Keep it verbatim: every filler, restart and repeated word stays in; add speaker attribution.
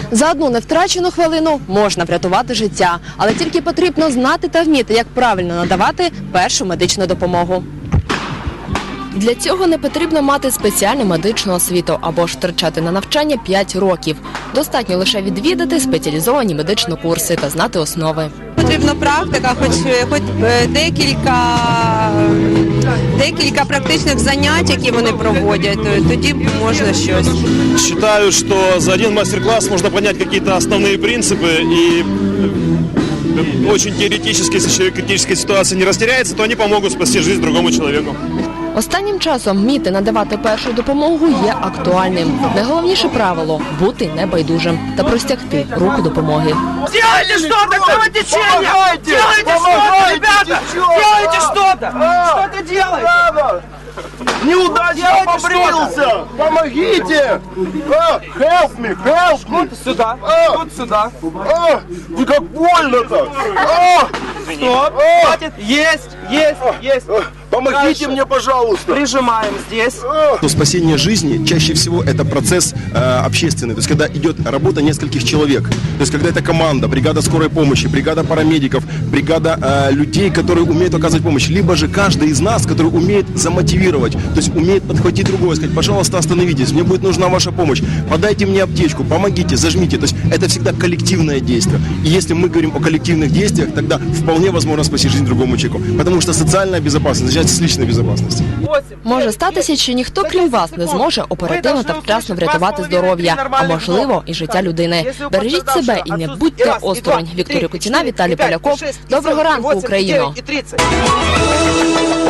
Speaker 1: За одну невтрачену хвилину можна врятувати життя, але тільки потрібно знати та вміти, як правильно надавати першу медичну допомогу. Для цього не потрібно мати спеціальну медичну освіту або ж втрачати на навчання п'ять років. Достатньо лише відвідати спеціалізовані медичні курси та знати основи.
Speaker 2: Потрібна практика, хоч, хоч декілька, декілька практичних занять, які вони проводять, тоді можна щось.
Speaker 3: Считаю, что за один мастер-класс можно понять какие-то основные принципы, и очень теоретически, если человек в критической ситуации не растеряется, то они помогут спасти жизнь другому человеку.
Speaker 1: Останнім часом вміти надавати першу допомогу є актуальним. Найголовніше правило – бути небайдужим та простягти руку допомоги.
Speaker 4: Делайте что-то, кровотечение! Делайте что-то, ребята! Делайте что-то! Что-то делайте!
Speaker 5: Неудачно побрился! Помогите! А, help me, help me!
Speaker 4: Сюда,
Speaker 5: А!
Speaker 4: тут сюда.
Speaker 5: А, вы как больно-то! А,
Speaker 4: Стоп,
Speaker 5: А!
Speaker 4: хватит. Есть, есть, есть.
Speaker 5: а, помогите
Speaker 4: Дальше.
Speaker 5: мне, пожалуйста!
Speaker 4: Прижимаем здесь.
Speaker 5: А,
Speaker 6: Спасение жизни чаще всего это процесс э, общественный, то есть когда идет работа нескольких человек, то есть когда это команда, бригада скорой помощи, бригада парамедиков, бригада э, людей, которые умеют оказывать помощь, либо же каждый из нас, который умеет замотивировать, то есть умеет подхватить другого, сказать: пожалуйста, остановитесь, мне будет нужна ваша помощь, подайте мне аптечку, помогите, зажмите, то есть это всегда коллективное действие. И если мы говорим о коллективных действиях, тогда вполне возможно спасти жизнь другому человеку, потому что социальная безопасность начинается с личной безопасности.
Speaker 1: Може статися, що ніхто, крім вас, не зможе оперативно та вчасно врятувати здоров'я, а можливо і життя людини. Бережіть себе і не будьте осторонь. Вікторія Куціна, Віталій Поляков. Доброго ранку, Україно!